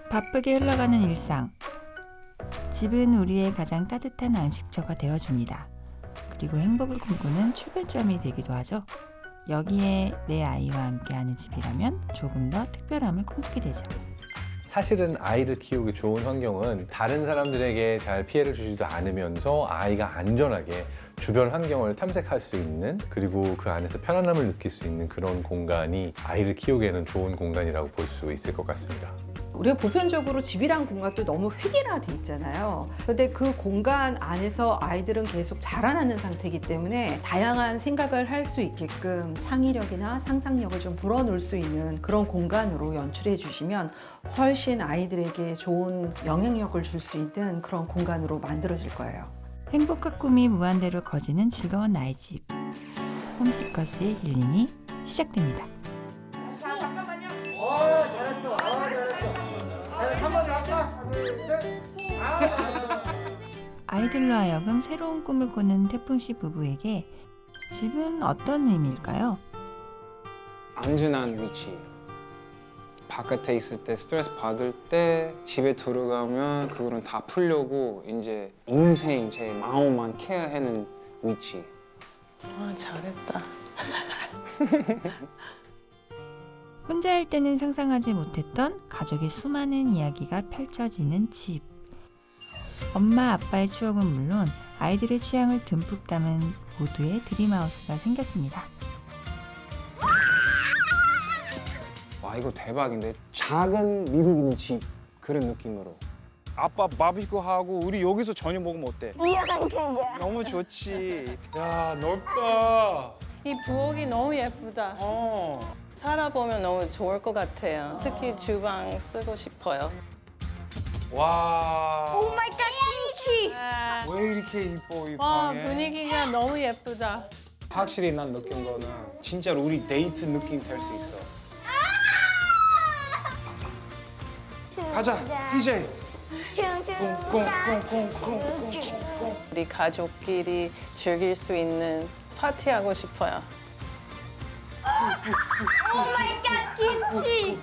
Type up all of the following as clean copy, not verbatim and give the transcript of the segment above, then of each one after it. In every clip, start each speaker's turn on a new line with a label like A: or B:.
A: 바쁘게 흘러가는 일상. 집은 우리의 가장 따뜻한 안식처가 되어줍니다. 그리고 행복을 꿈꾸는 출발점이 되기도 하죠. 여기에 내 아이와 함께하는 집이라면 조금 더 특별함을 꿈꾸게 되죠.
B: 사실은 아이를 키우기 좋은 환경은 다른 사람들에게 잘 피해를 주지도 않으면서 아이가 안전하게 주변 환경을 탐색할 수 있는, 그리고 그 안에서 편안함을 느낄 수 있는 그런 공간이 아이를 키우기에는 좋은 공간이라고 볼 수 있을 것 같습니다.
C: 우리가 보편적으로 집이란 공간도 너무 획일화돼 있잖아요. 근데 그 공간 안에서 아이들은 계속 자라나는 상태이기 때문에 다양한 생각을 할 수 있게끔 창의력이나 상상력을 좀 불어넣을 수 있는 그런 공간으로 연출해 주시면 훨씬 아이들에게 좋은 영향력을 줄 수 있는 그런 공간으로 만들어질 거예요.
A: 행복한 꿈이 무한대로 커지는 즐거운 나의 집. 홈시커스의 힐링이 시작됩니다. 아이들로 하여금 새로운 꿈을 꾸는 태풍씨 부부에게 집은 어떤 의미일까요?
D: 안전한 위치. 바깥에 있을 때 스트레스 받을 때 집에 들어가면 그거는 다 풀려고 이제 인생 제 마음만 케어하는 위치.
E: 와, 잘했다.
A: 혼자일 때는 상상하지 못했던 가족의 수많은 이야기가 펼쳐지는 집. 엄마 아빠의 추억은 물론 아이들의 취향을 듬뿍 담은 모두의 드림하우스가 생겼습니다.
D: 와 이거 대박인데 작은 미국인 집 그런 느낌으로. 아빠 바비큐 하고 우리 여기서 저녁 먹으면 어때? 너무 좋지. 야 넓다.
E: 이 부엌이 너무 예쁘다.
D: 어.
E: 살아보면 너무 좋을 것 같아요. 특히 주방 쓰고 싶어요.
D: 와.
F: 오 마이 갓 김치.
D: 왜 이렇게 이뻐 이
E: 와,
D: 방에?
E: 분위기가 너무 예쁘다.
D: 확실히 난 느낀 거는 진짜로 우리 데이트 느낌 될 수 있어. 가자, DJ. 꽁꽁꽁꽁꽁꽁.
E: 우리 가족끼리 즐길 수 있는 파티 하고 싶어요.
F: 오 마이 갓 김치.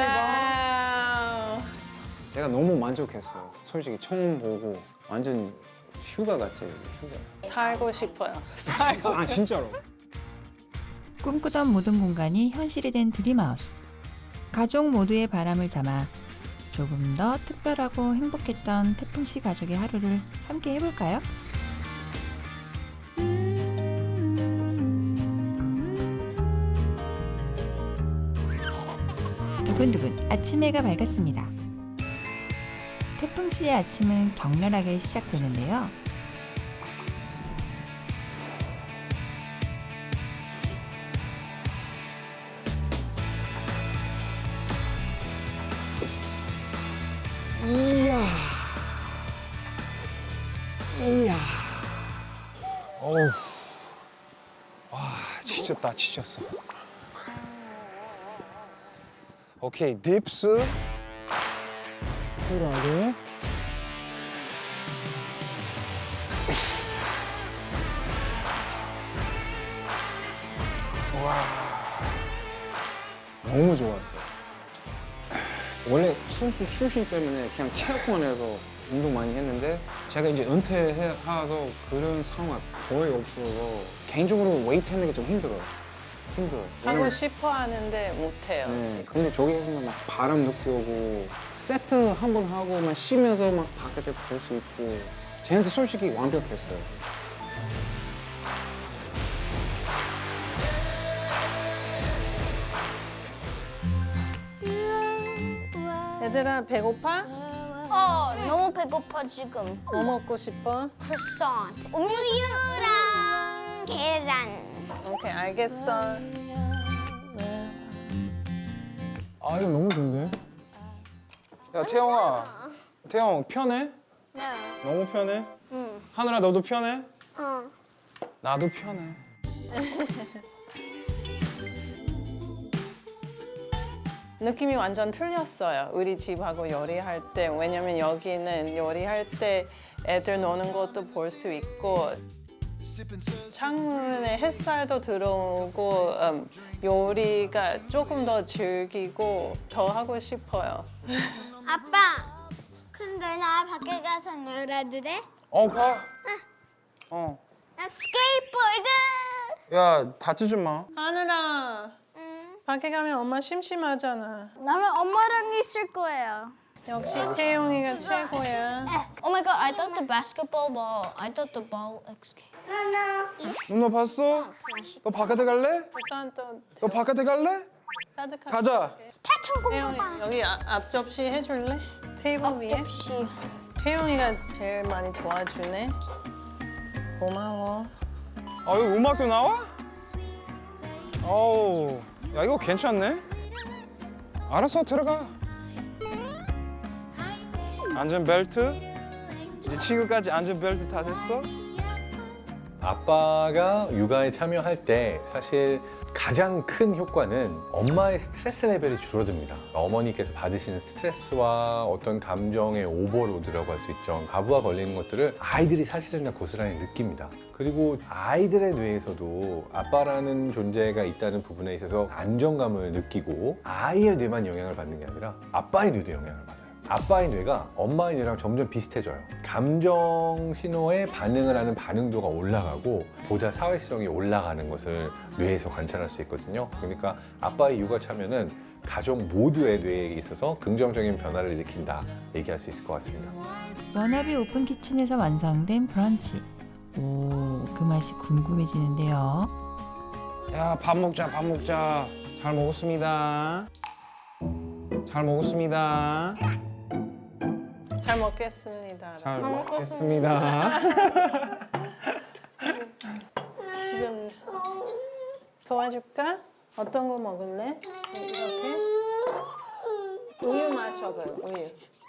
E: 와우.
D: 내가 너무 만족했어요. 솔직히 처음 보고 완전 휴가 같아요. 휴가.
E: 살고 싶어요.
D: 아 진짜로.
A: 꿈꾸던 모든 공간이 현실이 된 드림하우스. 가족 모두의 바람을 담아 조금 더 특별하고 행복했던 태풍씨 가족의 하루를 함께 해볼까요? 두근두근 아침 해가 밝았습니다. 태풍씨의 아침은 격렬하게 시작되는데요.
D: 이야. 이야. 어우. 와, 지쳤다, 지쳤어. 오케이, 딥스. 쿨하게. 와. 너무 좋았어요. 원래 선수 출신 때문에 그냥 체육관에서 운동 많이 했는데 제가 이제 은퇴해서 그런 상황 거의 없어서 개인적으로 웨이트 하는 게 좀 힘들어요.
E: 하고
D: 왜냐면-
E: 싶어 하는데 못해요.
D: 네,
E: 지금.
D: 근데 저기에서는 막 바람 느껴오고 세트 한 번 하고 막 쉬면서 막 바깥에 볼 수 있고 쟤한테 솔직히 완벽했어요.
E: 얘들아, 배고파?
F: 너무 배고파 지금.
E: 뭐 먹고 싶어?
F: 크로issant. 우유랑 계란.
E: 오케이, 알겠어.
D: 아 이거 너무 좋은데? 야 태영아, 태영 편해?
F: 네.
D: 너무 편해?
F: 응.
D: 하늘아 너도 편해?
F: 어.
D: 나도 편해.
E: 느낌이 완전 틀렸어요. 우리 집하고 요리할 때. 왜냐면 여기는 요리할 때 애들 노는 것도 볼 수 있고 창문에 햇살도 들어오고 요리가 조금 더 즐기고 더 하고 싶어요.
F: 아빠, 근데 나 밖에 가서 놀아도 돼?
D: 가.
F: 나 스케이트보드.
D: 야, 다치지 마.
E: 하늘아,
F: 응.
E: 밖에 가면 엄마 심심하잖아.
F: 나는 엄마랑 있을 거예요.
E: 역시 태용이가 최고야.
F: Oh my god, I thought the basketball ball. I thought the ball escaped.
D: 누나 봤어? 너 바깥에 갈래?
E: 부산 또
D: 너 바깥에 갈래?
E: 따뜻한.
D: 가자.
E: 태용이 여기 앞접시 해줄래? 테이블 위에.
F: 접시.
E: 태용이가 제일 많이 도와주네. 고마워.
D: 이거 음악도 나와? 어우, 야 이거 괜찮네. 알았어, 들어가. 안전벨트? 이제 지금까지 안전벨트 다 됐어?
B: 아빠가 육아에 참여할 때 사실 가장 큰 효과는 엄마의 스트레스 레벨이 줄어듭니다. 어머니께서 받으시는 스트레스와 어떤 감정의 오버로드라고 할 수 있죠. 과부하 걸리는 것들을 아이들이 사실은 다 고스란히 느낍니다. 그리고 아이들의 뇌에서도 아빠라는 존재가 있다는 부분에 있어서 안정감을 느끼고 아이의 뇌만 영향을 받는 게 아니라 아빠의 뇌도 영향을 받아요. 아빠의 뇌가 엄마의 뇌랑 점점 비슷해져요. 감정 신호에 반응을 하는 반응도가 올라가고 보다 사회성이 올라가는 것을 뇌에서 관찰할 수 있거든요. 그러니까 아빠의 육아 참여는 가족 모두의 뇌에 있어서 긍정적인 변화를 일으킨다 얘기할 수 있을 것 같습니다.
A: 워너비 오픈 키친에서 완성된 브런치. 오, 그 맛이 궁금해지는데요.
D: 야, 밥 먹자, 밥 먹자. 잘 먹었습니다. 잘 먹었습니다.
E: 잘 먹겠습니다.
D: 잘 먹겠습니다.
E: 지금 도와줄까? 어떤 거 먹을래? 이렇게? 우유 마셔봐요. 우유.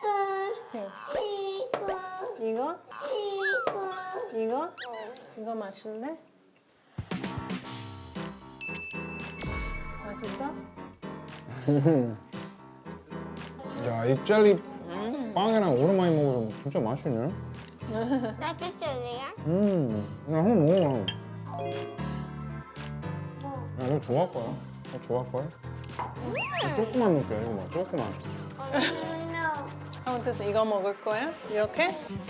E: 이거? 이거? 이거 마실래? 맛있어?
D: 야, 이 젤리 빵이랑 오랜만에 먹어서 진짜 맛있네.
F: 나 뜯을래요?
D: 야, 한번 먹어봐. 야, 이거 좋아할 거야. 이거 좋아할 거야. 조금만 넣을게, 이거 봐, 조금만.
E: 하면서 이거 먹을 거야? 이렇게?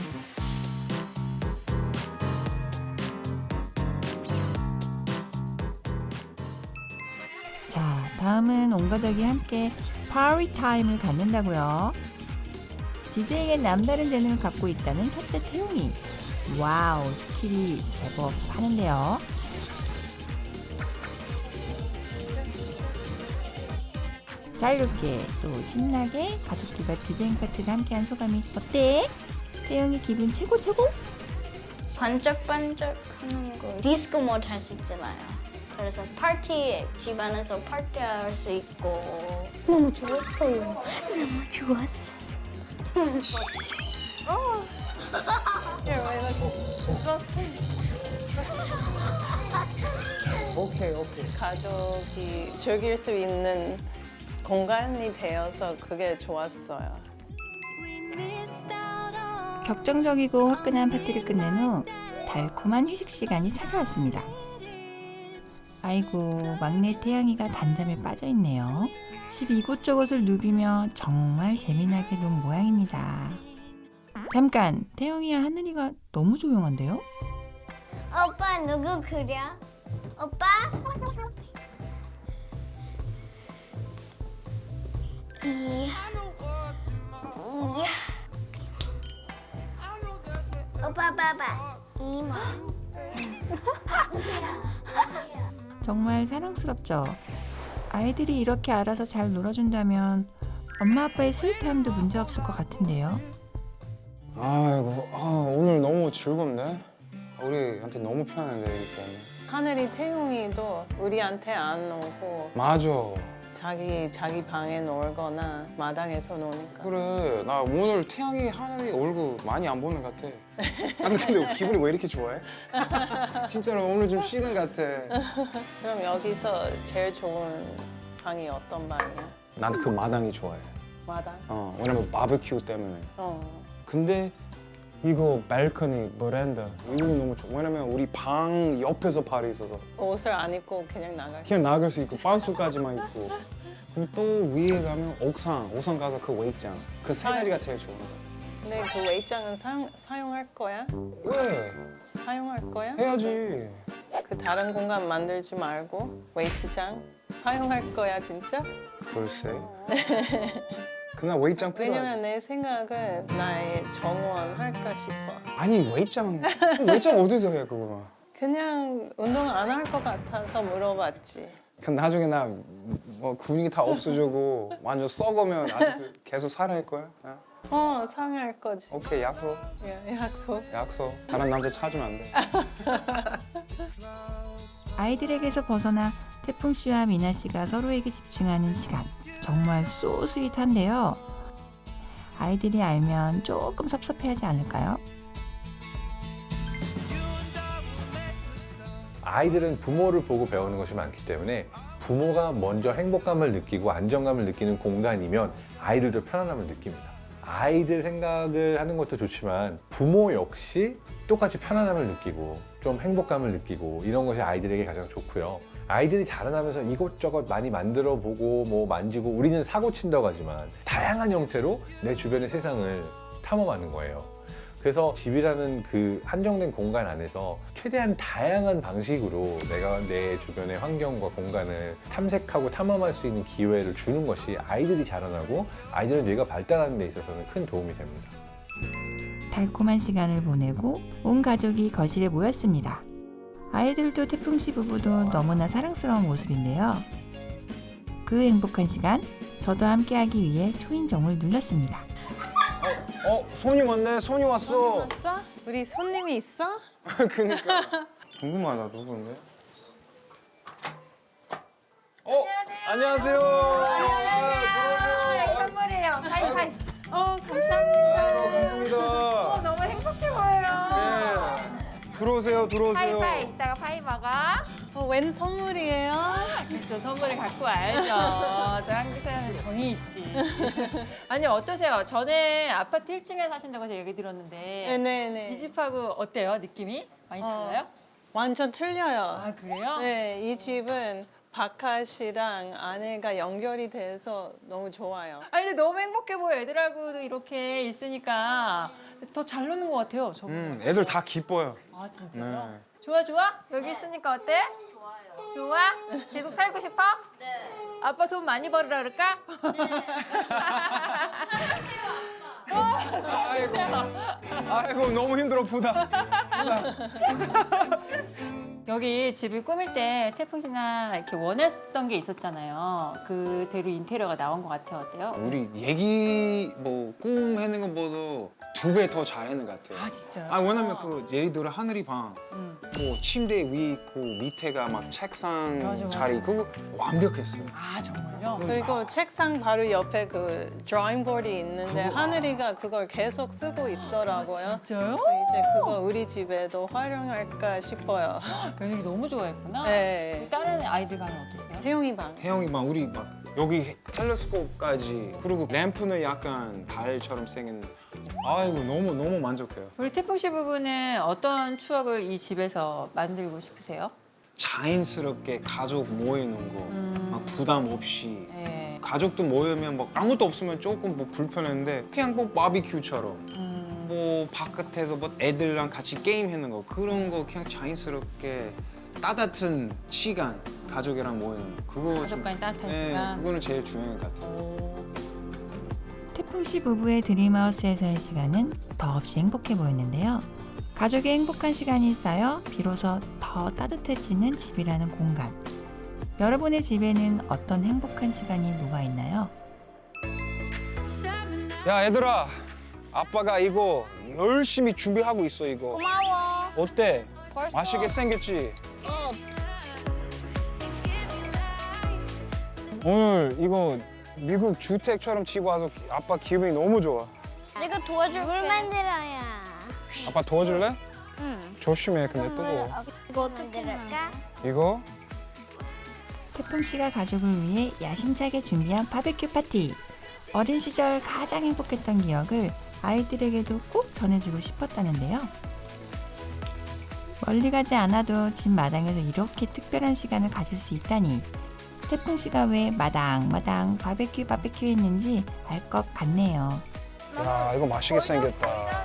A: 자, 다음은 온 가족이 함께 파티 타임을 갖는다고요. DJ에겐 남다른 재능을 갖고 있다는 첫째 태용이. 와우, 스킬이 제법 하는데요. 자유롭게 또 신나게 가족들과 디제잉 파티를 함께한 소감이 어때? 태용이 기분 최고 최고?
F: 반짝반짝 하는 거 디스코 모드 할 수 있잖아요. 그래서 파티 집안에서 파티할 수 있고 너무 좋았어요. 너무 좋았어요.
D: 오케이, 오케이.
E: 가족이 즐길 수 있는 공간이 되어서 그게 좋았어요.
A: 격정적이고 화끈한 파티를 끝낸 후 달콤한 휴식 시간이 찾아왔습니다. 아이고, 막내 태양이가 단잠에 빠져 있네요. 집 이곳저곳을 누비며 정말 재미나게 논 모양입니다. 잠깐, 태영이와 하늘이가 너무 조용한데요?
F: 오빠 누구 그려? 오빠? 오빠 봐봐. 이모.
A: 정말 사랑스럽죠? 아이들이 이렇게 알아서 잘 놀아준다면 엄마 아빠의 스윗함도 문제없을 것 같은데요.
D: 아이고, 오늘 너무 즐겁네. 우리한테 너무 편한데, 이기 때문에.
E: 하늘이 태용이도 우리한테 안 오고
D: 맞아.
E: 자기 방에 놀거나 마당에서 노니까.
D: 그래, 나 오늘 태양이 하늘이 얼굴 많이 안 보는 것 같아. 아니, 근데 기분이 왜 이렇게 좋아해? 진짜로 오늘 좀 쉬는 것 같아.
E: 그럼 여기서 제일 좋은 방이 어떤 방이야?
D: 난 그 마당이 좋아해.
E: 마당?
D: 왜냐면 바베큐 때문에. 근데 이거 발코니, 베란다 이거 너무 좋아. 왜냐면 우리 방 옆에서 발이 있어서
E: 옷을 안 입고 그냥 나갈 수
D: 그냥 나갈 수 있고 반스까지만 입고 그럼 또 위에 가면 옥상 가서 그 웨이장. 그 세 가지가 제일 좋은 거.
E: 근데 그 웨이장은 사용할 거야?
D: 왜?
E: 사용할 거야?
D: 해야지.
E: 그 다른 공간 만들지 말고 웨이트장 사용할 거야 진짜?
D: 글쎄. 그날 웨이장 필요하지.
E: 왜냐면 내 생각은 나의 정원 할까 싶어.
D: 아니 웨이장 어디서 해 그거?
E: 그냥 운동 안 할 것 같아서 물어봤지.
D: 그럼 나중에 나 뭐 근육이 다 없어지고 완전 썩으면 아직도 계속 살아할 거야?
E: 상할 거지.
D: 오케이 약속.
E: 약속.
D: 다른 남자 찾으면 안 돼.
A: 아이들에게서 벗어나 태풍 씨와 미나 씨가 서로에게 집중하는 시간. 정말 소 스윗한데요. 아이들이 알면 조금 섭섭해하지 않을까요?
B: 아이들은 부모를 보고 배우는 것이 많기 때문에 부모가 먼저 행복감을 느끼고 안정감을 느끼는 공간이면 아이들도 편안함을 느낍니다. 아이들 생각을 하는 것도 좋지만 부모 역시 똑같이 편안함을 느끼고 좀 행복감을 느끼고 이런 것이 아이들에게 가장 좋고요. 아이들이 자라나면서 이것저것 많이 만들어 보고 뭐 만지고 우리는 사고 친다고 하지만 다양한 형태로 내 주변의 세상을 탐험하는 거예요. 그래서 집이라는 그 한정된 공간 안에서 최대한 다양한 방식으로 내가 내 주변의 환경과 공간을 탐색하고 탐험할 수 있는 기회를 주는 것이 아이들이 자라나고 아이들의 뇌가 발달하는 데 있어서는 큰 도움이 됩니다.
A: 달콤한 시간을 보내고 온 가족이 거실에 모였습니다. 아이들도 태풍 씨 부부도 너무나 사랑스러운 모습인데요. 그 행복한 시간, 저도 함께하기 위해 초인종을 눌렀습니다.
D: 손이 왔네. 손이 왔어.
E: 왔어? 우리 손님이 있어?
D: 그니까. 궁금하다 누군데? 안녕하세요. 들어오세요.
A: 선물이에요. 하이파이.
E: 감사합니다.
D: 반갑습니다.
A: 너무 행복해 보여요.
D: 네. 들어오세요.
A: 이따가 파이 먹어.
E: 웬 선물이에요?
G: 또 선물을 갖고 와야죠. 또 한국 사람은 정이 있지. 아니 어떠세요? 전에 아파트 1층에 사신다고 제가 얘기 들었는데
E: 네네.
G: 이 집하고 어때요? 느낌이? 많이 달라요?
E: 완전 틀려요.
G: 아 그래요?
E: 네, 이 집은 바깥이랑 안에가 연결이 돼서 너무 좋아요.
G: 아니 근데 너무 행복해 보여. 애들하고도 이렇게 있으니까 더 잘 노는 것 같아요. 저분.
D: 애들 다 기뻐요.
G: 아 진짜요?
D: 네.
G: 좋아? 여기 있으니까 어때? 좋아? 계속 살고 싶어? 네. 아빠 돈 많이 벌으라 그럴까?
D: 아이고 너무 힘들어 부다.
G: 여기 집을 꾸밀 때 태풍 씨나 이렇게 원했던 게 있었잖아요. 그대로 인테리어가 나온 것 같아요. 어때요?
D: 우리 얘기 뭐 꿈 해는 것보다 2배 더 잘하는 것 같아요.
G: 아 진짜요?
D: 왜냐면 그 예를 들어 하늘이 방,
G: 음.
D: 뭐 침대 위 있고 밑에가 막 책상
G: 맞아.
D: 자리 그거 완벽했어요.
G: 아 정말요?
E: 그리고 책상 바로 옆에 그 드라잉 보드이 있는데 하늘이가 그걸 계속 쓰고 있더라고요.
G: 진짜요?
E: 이제 그거 우리 집에도 활용할까 싶어요.
G: 며느리 너무 좋아했구나.
E: 네.
G: 다른 아이들 방은 어땠어요?
E: 태용이 방.
D: 태영이 막 우리 막 여기 텔레스코프까지 그리고 램프는 약간 달처럼 생긴. 아이고 너무 만족해요.
G: 우리 태풍 씨 부부는 어떤 추억을 이 집에서 만들고 싶으세요?
D: 자연스럽게 가족 모이는 거, 막 부담 없이.
G: 네.
D: 가족도 모이면 막 아무것도 없으면 조금 뭐 불편했는데 그냥 뭐 바비큐처럼 뭐 바깥에서 뭐 애들이랑 같이 게임하는 거 그런 거 그냥 자연스럽게 따뜻한 시간 가족이랑 모이는 거 그거
G: 가족과의 따뜻한
D: 네,
G: 시간.
D: 그거는 제일 중요한 것 같아요.
A: 태풍 씨 부부의 드림하우스에서의 시간은 더없이 행복해 보였는데요. 가족의 행복한 시간이 쌓여 비로소 더 따뜻해지는 집이라는 공간. 여러분의 집에는 어떤 행복한 시간이 녹아있나요?
D: 야 얘들아, 아빠가 이거 열심히 준비하고 있어 이거.
F: 고마워.
D: 어때?
F: 벌써.
D: 맛있게 생겼지?
F: 어,
D: 오늘 이거 미국 주택처럼 집 와서 아빠 기분이 너무 좋아.
F: 내가 도와줄게. 물 만들어야.
D: 아빠 도와줄래?
F: 응.
D: 조심해 근데 뜨거워.
F: 이거 어떻게 만들까?
D: 이거?
A: 태풍 씨가 가족을 위해 야심차게 준비한 바베큐 파티. 어린 시절 가장 행복했던 기억을 아이들에게도 꼭 전해주고 싶었다는데요. 멀리 가지 않아도 집 마당에서 이렇게 특별한 시간을 가질 수 있다니 태풍 씨가 왜 마당마당 바베큐 했는지 알 것 같네요.
D: 야, 이거 맛있게 생겼다.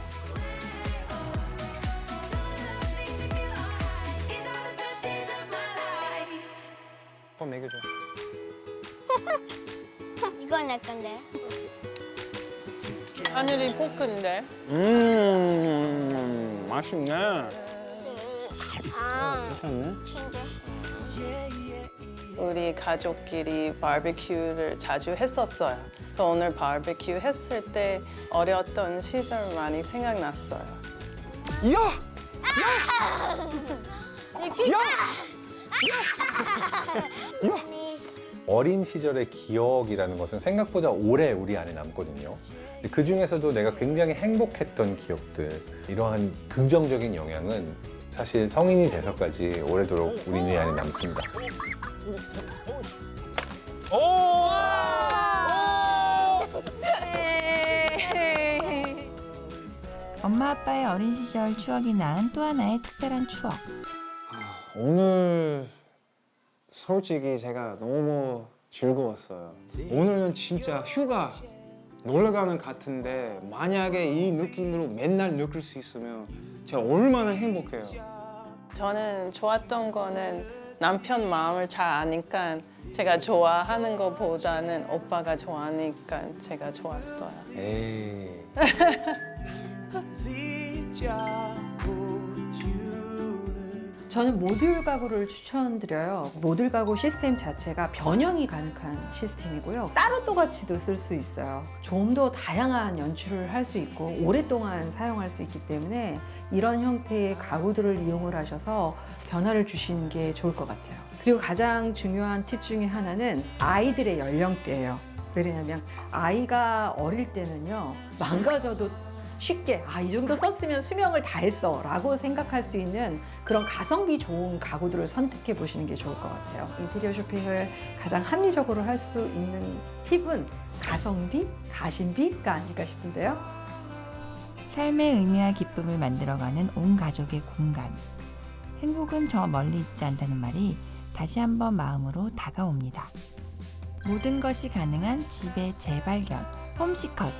D: 한번 먹여줘.
F: 이건 내 건데.
E: 하늘이 볶은데
D: 맛있네. 괜찮네.
E: 우리 가족끼리 바베큐를 자주 했었어요. 그래서 오늘 바베큐 했을 때 어렸던 시절 많이 생각났어요.
D: 야!
B: 어린 시절의 기억이라는 것은 생각보다 오래 우리 안에 남거든요. 그 중에서도 내가 굉장히 행복했던 기억들, 이러한 긍정적인 영향은 사실 성인이 돼서까지 오래도록 우리 뇌 안에 남습니다.
D: 오!
A: 엄마 아빠의 어린 시절 추억이 낳은 또 하나의 특별한 추억.
D: 오늘 솔직히 제가 너무 즐거웠어요. 오늘은 진짜 휴가 놀러 가는 같은데 만약에 이 느낌으로 맨날 느낄 수 있으면 제가 얼마나 행복해요.
E: 저는 좋았던 거는 남편 마음을 잘 아니까 제가 좋아하는 것보다는 오빠가 좋아하니까 제가 좋았어요.
B: 에이.
C: 저는 모듈 가구를 추천드려요. 모듈 가구 시스템 자체가 변형이 가능한 시스템이고요. 따로 또같이도 쓸 수 있어요. 좀 더 다양한 연출을 할 수 있고 오랫동안 사용할 수 있기 때문에 이런 형태의 가구들을 이용을 하셔서 변화를 주시는 게 좋을 것 같아요. 그리고 가장 중요한 팁 중에 하나는 아이들의 연령대예요. 왜냐하면 아이가 어릴 때는요, 망가져도 쉽게 이 정도 썼으면 수명을 다했어 라고 생각할 수 있는 그런 가성비 좋은 가구들을 선택해 보시는 게 좋을 것 같아요. 인테리어 쇼핑을 가장 합리적으로 할 수 있는 팁은 가성비, 가심비가 아닐까 싶은데요.
A: 삶의 의미와 기쁨을 만들어가는 온 가족의 공간. 행복은 저 멀리 있지 않다는 말이 다시 한번 마음으로 다가옵니다. 모든 것이 가능한 집의 재발견, 홈시커스.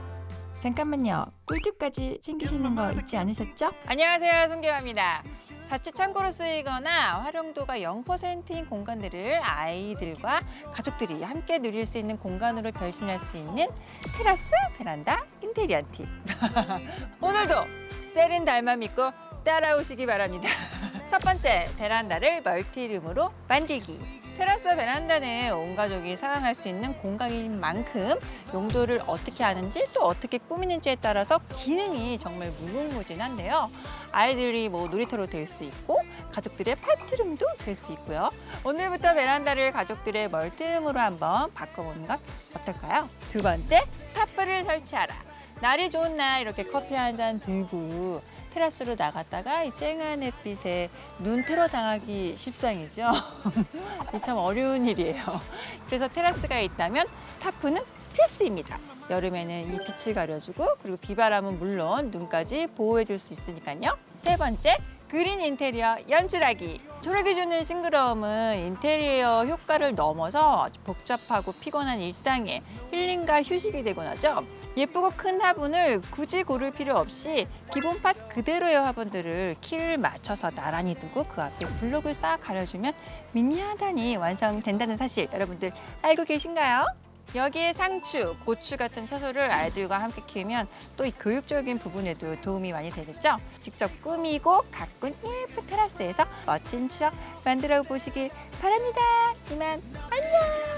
A: 잠깐만요. 꿀팁까지 챙기시는 거 잊지 않으셨죠?
G: 안녕하세요, 송계화입니다. 자칫 창고로 쓰이거나 활용도가 0%인 공간들을 아이들과 가족들이 함께 누릴 수 있는 공간으로 변신할 수 있는 테라스, 베란다, 인테리어 팁. 오늘도 세렌달만 믿고 따라오시기 바랍니다. 첫 번째, 베란다를 멀티룸으로 만들기. 테라스와 베란다는 온 가족이 사용할 수 있는 공간인 만큼 용도를 어떻게 하는지 또 어떻게 꾸미는지에 따라서 기능이 정말 무궁무진한데요. 아이들이 놀이터로 될 수 있고 가족들의 파티룸도 될 수 있고요. 오늘부터 베란다를 가족들의 멀티룸으로 한번 바꿔보는 것 어떨까요? 두 번째, 탑불을 설치하라. 날이 좋은 날 이렇게 커피 한 잔 들고 테라스로 나갔다가 이 쨍한 햇빛에 눈 테러 당하기 십상이죠. 이 참 어려운 일이에요. 그래서 테라스가 있다면 타프는 필수입니다. 여름에는 이 빛을 가려주고 그리고 비바람은 물론 눈까지 보호해줄 수 있으니까요. 세 번째, 그린 인테리어 연출하기. 초록이 주는 싱그러움은 인테리어 효과를 넘어서 복잡하고 피곤한 일상에 힐링과 휴식이 되곤 하죠. 예쁘고 큰 화분을 굳이 고를 필요 없이 기본 팟 그대로의 화분들을 키를 맞춰서 나란히 두고 그 앞에 블록을 싹 가려주면 미니 하단이 완성된다는 사실 여러분들 알고 계신가요? 여기에 상추, 고추 같은 채소를 아이들과 함께 키우면 또 이 교육적인 부분에도 도움이 많이 되겠죠? 직접 꾸미고 가꾼 예쁜 테라스에서 멋진 추억 만들어 보시길 바랍니다. 이만 안녕!